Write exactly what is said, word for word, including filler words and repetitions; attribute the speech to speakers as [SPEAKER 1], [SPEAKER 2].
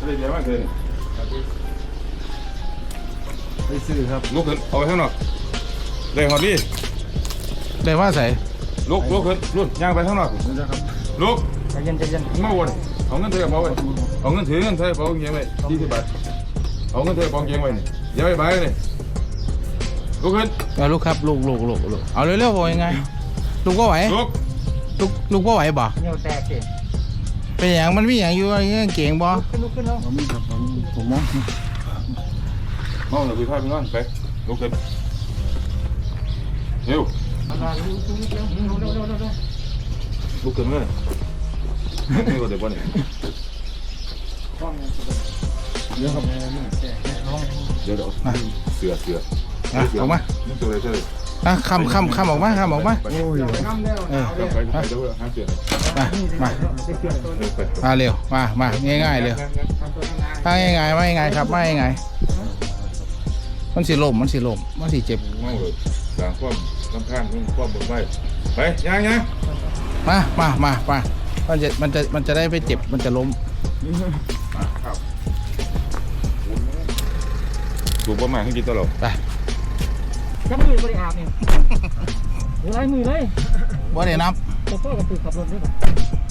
[SPEAKER 1] เลยเดี๋ยวมาเกิน
[SPEAKER 2] ไปซื้อครับ
[SPEAKER 1] ลุกขึ้นเอาไปข้างนอกเลยหอดี
[SPEAKER 2] ได้ว่าใส่
[SPEAKER 1] ลุกลุกขึ้นรุ่นย่างไปข้างนอกลุก
[SPEAKER 3] ใจเย็นใจเย็น
[SPEAKER 1] มาวนเอาเงินถือกระเป๋าไว้เอาเงินถือเงินใส่กระเป๋าเงี้ยไว้ยี่สิบบาทเอาเงินถือกระเป๋าเงี้ยไว้นี่อย่าไปใบเลยลุกขึ้น
[SPEAKER 2] เอาลูกครับลูกลูกลูกลูกเอาเร็วๆบอกยังไงลูกก็ไหว
[SPEAKER 1] ลุก
[SPEAKER 2] ลูกลูกก็ไหวบ่
[SPEAKER 3] เงี้ยวแตกสิ
[SPEAKER 2] เป็นอย่างมันมีอย่างอยู่อะไรเงี้ยเก่งบ่
[SPEAKER 3] ขึ้นลุกขึ้นแล้ว
[SPEAKER 2] ผมครับผมมอง
[SPEAKER 1] มองเลยคุยพายไปก่อนไปลุกขึ้นเร็วลุกขึ้นเลยนี่ก็เดี๋ยววันนี้
[SPEAKER 2] เดี๋ยวครับ
[SPEAKER 1] เดี๋ยวเดี๋ยวเสือเสือ
[SPEAKER 2] ออกมา
[SPEAKER 1] นี่ตัวอะไรเสือ
[SPEAKER 2] อ่ะคำคำคำออกมาคำออกมา
[SPEAKER 1] โอ้ยเออไปไปเดี๋ยวหาเสือ
[SPEAKER 2] มามามาเร็วมามาง่ายๆเร็วถ้าง่ายๆไม่ง่ายครับไม่ง่ายมันสิลมมันสิลมมันสิเจ็บ
[SPEAKER 1] เมาเลยหลังความลำข้างความบนไว้ไปยังยัง
[SPEAKER 2] มามามามามันจะมันจะมันจะได้ไม่เจ็บมันจะล้ม
[SPEAKER 1] ถูกประมาณให้กินตลอด
[SPEAKER 2] ไป
[SPEAKER 3] จับมือบริอาบเนี่ยหรือไรมือเลย
[SPEAKER 2] บ่ได้นับ
[SPEAKER 3] ตัวพ่อกับตือขับรถด้วยป่ะ